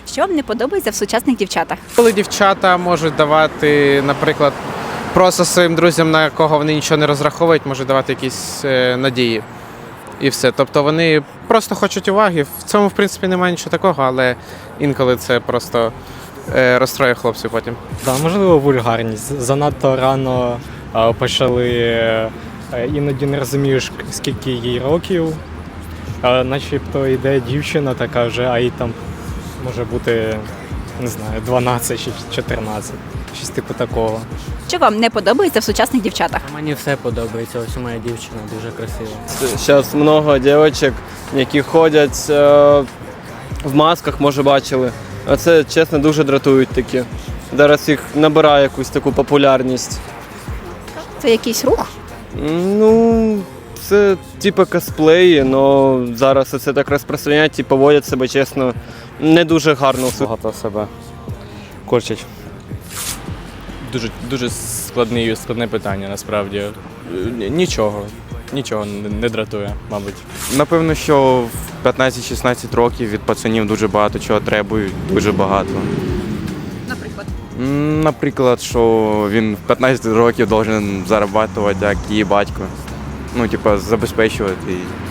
Що вам не подобається в сучасних дівчатах? Коли дівчата можуть давати, наприклад, просто своїм друзям, на кого вони нічого не розраховують, можуть давати якісь надії. І все. Тобто вони просто хочуть уваги. В цьому, в принципі, немає нічого такого, але інколи це просто розстроює хлопців потім. Да, можливо, вульгарність. Занадто рано почали, іноді не розумієш, скільки їй років. Начебто йде дівчина така вже, а їй там може бути, не знаю, 12 чи 14. Щось типу такого. Що вам не подобається в сучасних дівчатах? Мені все подобається, ось моя дівчина дуже красива. Зараз много дівчат, які ходять в масках, може бачили. А це, чесно, дуже дратують такі. Зараз їх набирає якусь таку популярність. Це якийсь рух? Ну, це типу косплеї, але зараз це так розпространяють і поводять себе, чесно, не дуже гарно. Багато себе корчать. Дуже складне питання, насправді. Нічого не дратує, мабуть. Напевно, що в 15-16 років від пацанів дуже багато чого требують, дуже багато. Наприклад. Наприклад, що він в 15 років має заробляти, як її батько. Ну, типу, забезпечувати її.